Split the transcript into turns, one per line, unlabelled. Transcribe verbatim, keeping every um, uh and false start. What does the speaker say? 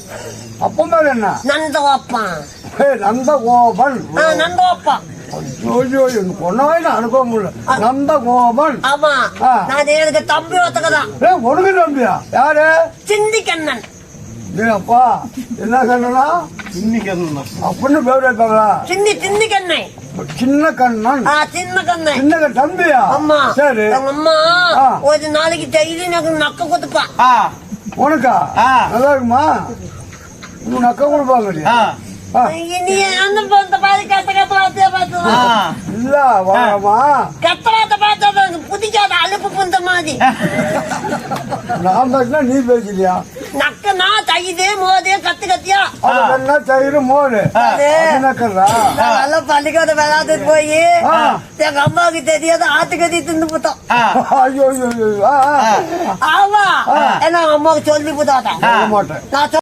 அப்பா பேர் என்ன?
நந்தகோப்பன்.
நந்தகோபன்.
நந்தகோப்பன்.
ஐயோ பொண்ணாவே நான் அனுப்ப முடியல. நந்தகோபன்.
ஆமா, நான் எனக்கு தம்பி ஒத்துக்கதான்.
உனக்கு தம்பியா? யாரு?
சிந்தி கண்ணன்.
அப்பா என்ன கண்ணனா? சின்னி கண்ணன் அப்படின்னு பேர் வைப்பாங்களா? சிந்தி சிந்தி கண்ணை. சின்ன கண்ணன். சின்ன கண்ணன். சின்ன தம்பியா? ஆமா. சரி. அம்மா ஒரு நாளைக்கு டெய்லி எனக்கு நக்க கொடுப்பா. உனக்கா? நல்லா இருக்குமா? நக்க கொடுப்பாங்க. அந்த பாதி கத்த கத்த வார்த்தையா பார்த்து இல்ல வாமா கத்த வார்த்தை பார்த்தா புதிக்காத அலுப்பு புந்த மாதிரி. நான் பேசினா நீ பேசலையா? நக்கனா தயிரே மோதே கத்து கத்தியா என்ன தயிர் மோடு நல்லா பள்ளிக்கூட விளையாட்டு போய் எங்க அம்மாவுக்கு தெரியாத ஆட்டுக்கறி தின்னு போட்டோம். ஐயோ ஆமா ஏன்னா அம்மாவுக்கு சொல்லி போட்டாட்டேன்.